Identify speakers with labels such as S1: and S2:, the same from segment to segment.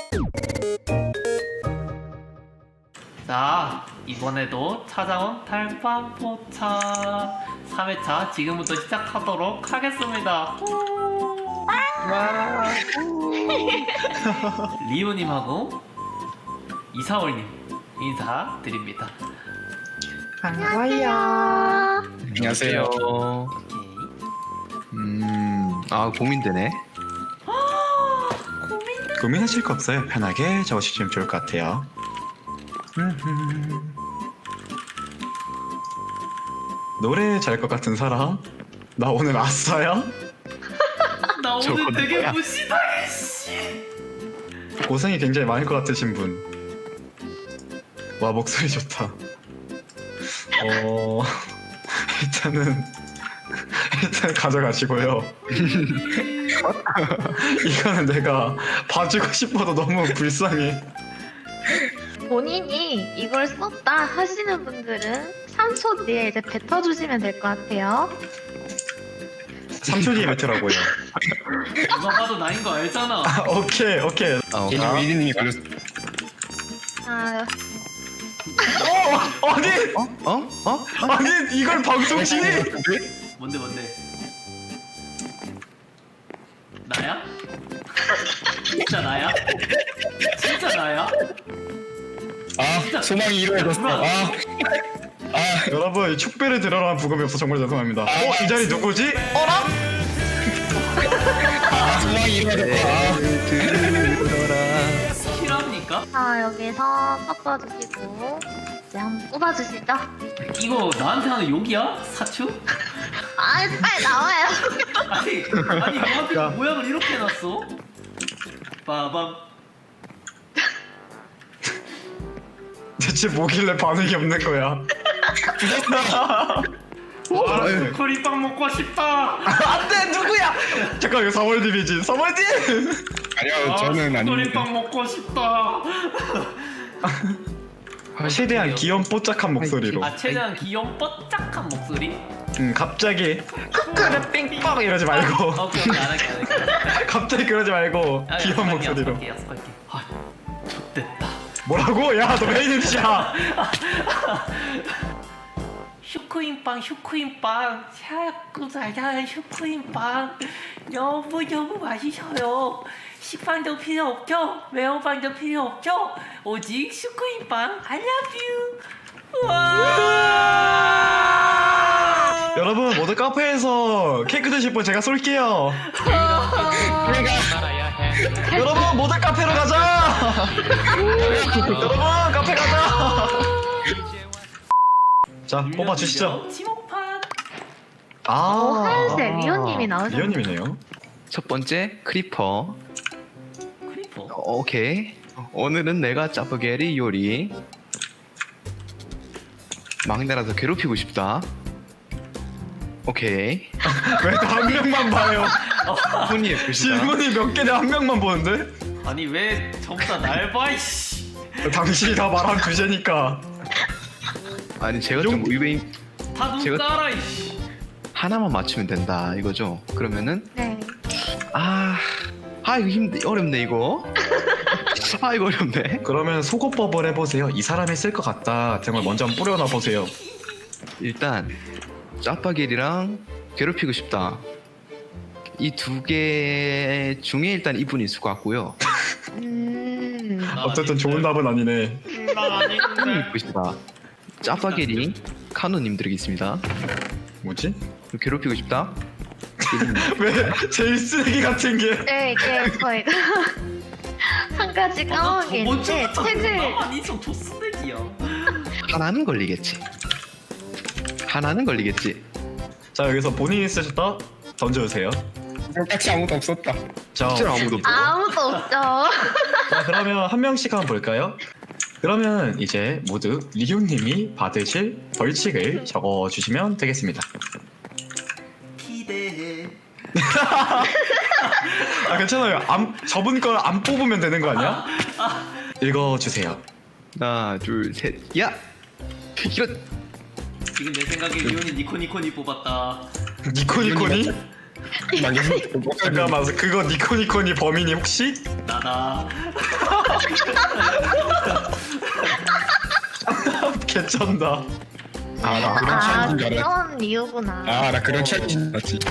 S1: 자, 이번에도 찾아온 달밤포차 3회차 지금부터 시작하도록 하겠습니다. 리오님하고 이사월님 인사드립니다.
S2: 반가워요.
S3: 안녕하세요.
S1: 오케이.
S3: 고민되네.
S2: 고민하실 거 없어요. 편하게 적으시면 좋을 것 같아요. 노래 잘 것 같은 사람? 나 오늘 아싸야?
S1: 나 오늘
S3: 저건
S1: 되게
S3: 뭐야?
S1: 무시당해 씨.
S2: 고생이 굉장히 많을 것 같으신 분. 와, 목소리 좋다. 일단 가져가시고요. 이거는 내가 봐주고 싶어도 너무 불쌍해.
S4: 본인이 이걸 썼다 하시는 분들은 3초 뒤에 이제 뱉어주시면 될 것 같아요.
S2: 3초 뒤에 뱉으라고요.
S1: 누가 봐도 나인 거 알잖아.
S2: 오케이.
S3: 위리님이 걸렸어.
S4: 아,
S2: 아니!
S3: 어?
S2: 아니, 이걸 방송 중에!
S1: 뭔데? 나야? 진짜 나야? 진짜 나야?
S3: 소망이 이루어졌어.
S2: 여러분, 축배를 들어라는 부금이 없어 정말 죄송합니다. 이 자리 누구지? 어라?
S3: 소망이 이루어졌다. 들어라.
S1: 실합니까?
S4: 자 여기서 섞어주시고 이제 한번 뽑아주시죠.
S1: 이거 나한테 하는 욕이야? 사추?
S4: 아 빨리 나와요.
S1: 아니 너한테
S2: 야.
S1: 모양을 이렇게 해놨어? 빠밤.
S2: 대체 뭐길래 반응이 없는 거야?
S1: 커리빵 먹고 싶다.
S2: 안돼, 누구야? 잠깐, 이거 3월 DB지. 3월 D!
S3: 아니요, 저는 아닌데.
S1: 커리빵 먹고 싶다.
S2: 최대한 귀염 뽀짝한 목소리로.
S1: 아 최대한 귀염 뽀짝한 목소리.
S2: 갑자기 크크르 삥빵 이러지 말고.
S1: 오케이 안 할게.
S2: 갑자기 그러지 말고 귀여운 목소리로.
S1: 약속할게. 아, 좋됐다.
S2: 뭐라고? 야, 너 메인 MC야.
S1: 슈크림빵 자꾸 달달한 슈크림빵 너무 맛있어요. 식빵도 필요 없죠? 매운빵도 필요 없죠? 오직 슈크림빵 I love you. 와!
S2: 여러분, 모두 카페에서 케이크 드실 분 제가 쏠게요. 여러분, 모두 카페로 가자. 여러분, 카페 가자. 자, 뽑아 주시죠.
S1: 지목판.
S4: 하얀색 리오님이 나오셨네요.
S2: 리오님이네요.
S3: 첫 번째 크리퍼.
S1: 크리퍼.
S3: 오케이. 오늘은 내가 짜파게리 요리. 막내라서 괴롭히고 싶다. 오케이.
S2: 왜 다 한 명만 봐요?
S3: 손이 예쁘시다.
S2: 질문이 몇 개인데 한 명만 보는데?
S1: 아니 왜 전부 다 날 봐? 이씨.
S2: 당신이 다 말한 주제니까.
S3: 아니 제가 좀 의외인.
S1: 다눈
S3: 제가-
S1: 깔아 이씨.
S3: 하나만 맞추면 된다 이거죠. 그러면은
S4: 네.
S3: 이거 어렵네 이거. 이거 어렵네.
S2: 그러면 속어법을 해보세요. 이 사람이 쓸 것 같다 등을 먼저 한번 뿌려놔 보세요.
S3: 일단 짜파게리랑 괴롭히고 싶다. 이 두 개 중에 일단 이분이 있을 것 같고요.
S2: 어쨌든 좋은 답은 아니네.
S1: 나
S3: 손이
S1: 아닌데.
S3: 예쁘시다. 짜파게리 카노님 드리겠습니다.
S2: 뭐지?
S3: 괴롭히고 싶다.
S2: 왜 제일 쓰레기 같은 게?
S4: 네 이게 저희가 한 가지 까먹은 게 있는데 책을
S1: 나만 인성 조스백이야.
S3: 하나는 걸리겠지. 하나는 걸리겠지.
S2: 자, 여기서 본인이 쓰셨다 던져주세요.
S3: 똑같이 아무도 없었다.
S2: 자,
S3: 진짜 아무도 없어.
S4: 아무도 없죠.
S2: 자, 그러면 한 명씩 한번 볼까요? 그러면 이제 모두 리오님이 받으실 벌칙을 적어주시면 되겠습니다.
S1: 기대해.
S2: 괜찮아요. 저분 걸 안 뽑으면 되는 거 아니야? 읽어주세요.
S3: 하나, 둘, 셋. 야! 이런.
S1: 지금 내 생각에 리온이 니코니코니 뽑았다.
S2: 니코니코니? 잠깐만, 그거 니코니코니 범인이 혹시?
S1: 나다.
S2: 개쩐다.
S5: 아 나 그런 챌린지인 줄 알았지.
S4: 그런 이유구나.
S5: 아 나 그런 챌린지인 줄 알았지.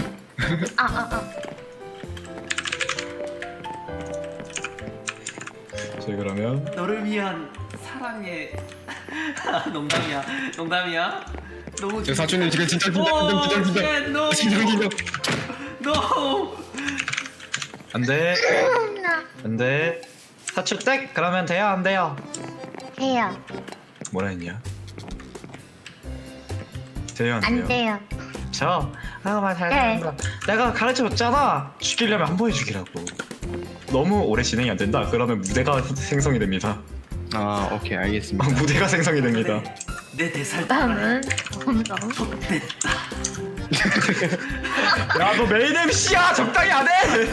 S2: 저희 그러면
S1: 너를 위한 사랑의 농담이야. 농담이야. 너무
S5: 저 사촌님 지금 진짜
S1: 오,
S5: 긴장.
S1: 쉣, no.
S5: 긴장.
S1: No.
S2: 안돼 안돼. 사추댁 그러면 돼요 안 돼요?
S4: 돼요.
S2: 뭐라 했냐? 돼요 안
S4: 안
S2: 돼요?
S4: 돼요.
S2: 저 말 잘
S4: 네.
S2: 듣는다. 내가 가르쳐줬잖아. 죽이려면 한 번에 죽이라고. 너무 오래 진행이 안 된다. 그러면 무대가 생성이 됩니다.
S3: 아 오케이 알겠습니다.
S2: 무대가 생성이 됩니다.
S1: 내 대살
S4: 나는 점점
S2: 야 너 메인 MC야 적당히 안 해.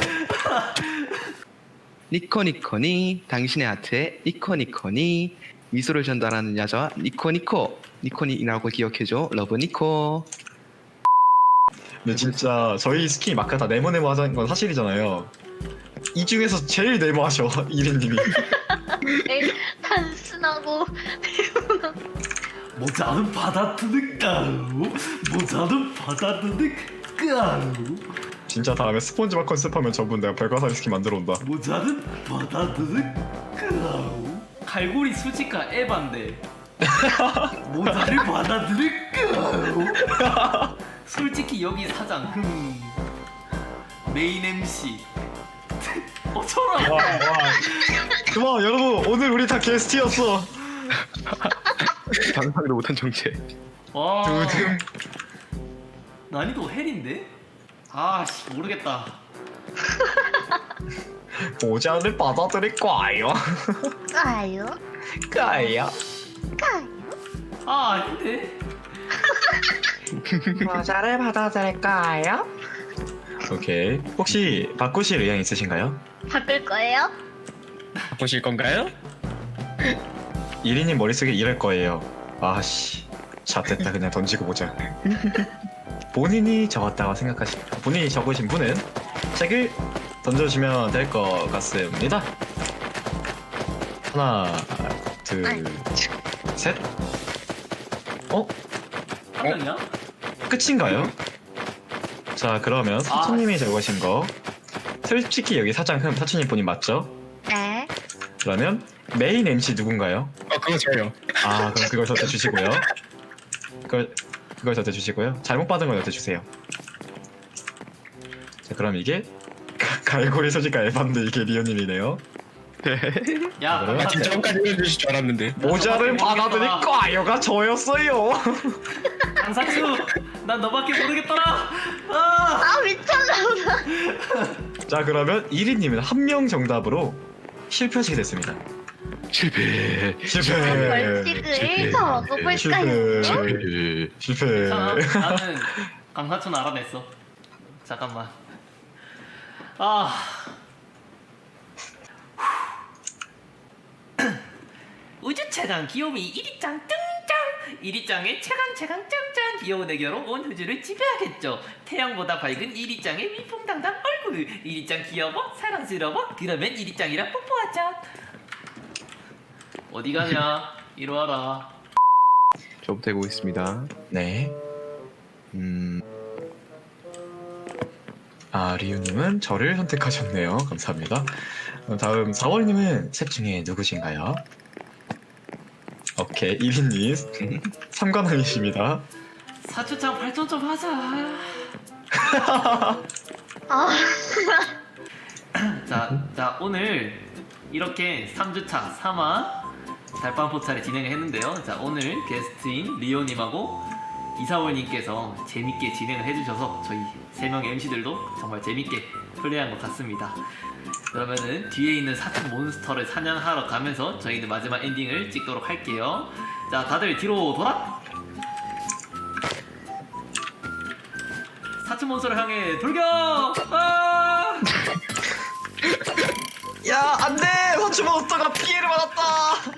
S3: 니코니코니 당신의 하트에 니코니코니 미소를 전달하는 여자와 니코니코니라고 기억해줘. 러브 니코.
S2: 근데 진짜 저희 스킨이 마카 다 네모네모 하자는 건 사실이잖아요. 이 중에서 제일 네모하셔 이린님이.
S4: 단순하고
S1: 모자는 받아들일까요? 모자는 받아들일까요?
S2: 진짜 다음에 스폰지밥 컨셉하면 저분 내가 별과사리 스킨 만들어 온다.
S1: 모자는 받아들일까요? 갈고리 수지가 에반데 모자를 받아들일까요? 솔직히 여기 사장 메인 MC 어쩌라.
S2: 그만 여러분 오늘 우리 다 게스트였어.
S3: 상상도 못한 정체.
S1: 와
S2: 두둥.
S1: 난이도 헬인데? 아씨 모르겠다.
S2: 모자를 받아들일 거예요.
S4: 까요?
S2: 까요?
S4: 까요?
S1: 아 아닌데?
S2: 모자를 받아들일까요? 오케이. 혹시 바꾸실 의향 있으신가요?
S4: 바꿀 거예요?
S5: 보실 건가요?
S2: 이리님 머릿속에 이럴 거예요. 아씨 잣됐다 그냥 던지고 보자. 본인이 적었다고 본인이 적으신 분은 책을 던져주시면 될 것 같습니다. 하나 둘셋.
S1: 한 명이야?
S2: 끝인가요? 자 그러면 사촌님이 적으신 거 솔직히 여기 사촌님 본인 맞죠?
S4: 네.
S2: 그러면 메인 MC 누군가요?
S5: 그거 저요.
S2: 아 그럼 그걸 저한테 주시고요. 그걸 저한테 주시고요. 잘못 받은 건 저한테 주세요. 자 그럼 이게 갈고리 소지가 에반데 이게 리오님이네요.
S1: 야
S2: 그래요?
S5: 아 진짜 혼까지 해주실 줄 알았는데.
S2: 모자를 받아들일 거아요가 저였어요.
S1: 강사추 난 너밖에 모르겠더라. 아
S4: 미쳤나.
S2: 자 그러면 1위님은 한 명 정답으로 실패하시게 됐습니다.
S3: 실패.
S4: 벌칙을 1차 먹어볼까요?
S2: 실패.
S1: 괜찮아. 나는 강사추는 알아냈어. 잠깐만. 아 우주 최강 귀요미 1위짱 등장! 1위짱의 최강 짱짱 귀여운 애교로 온 우주를 지배하겠죠. 태양보다 밝은 1위짱의 위풍당당 얼굴. 1위짱 귀여워? 사랑스러워? 그러면 1위짱이랑 뽀뽀하자. 어디 가냐? 이리 와라.
S3: 저부터 해보겠습니다.
S2: 네. 아 리우님은 저를 선택하셨네요. 감사합니다. 다음 4월님은 셋 중에 누구신가요? 오케이 1위님 삼관왕이십니다.
S1: 사추짱 발전 좀 하자.
S4: 아,
S1: 자 오늘 이렇게 3주차 3화 달밤 포차를 진행을 했는데요. 자 오늘 게스트인 리오님하고 이사월님께서 재밌게 진행을 해주셔서 저희 3명의 MC들도 정말 재밌게 플레이한 것 같습니다. 그러면은 뒤에 있는 사춘 몬스터를 사냥하러 가면서 저희는 마지막 엔딩을 찍도록 할게요. 자 다들 뒤로 돌아! 사춘 몬스터를 향해 돌격! 아!
S2: 야 안돼! 사추몬스터가 피해를 받았다.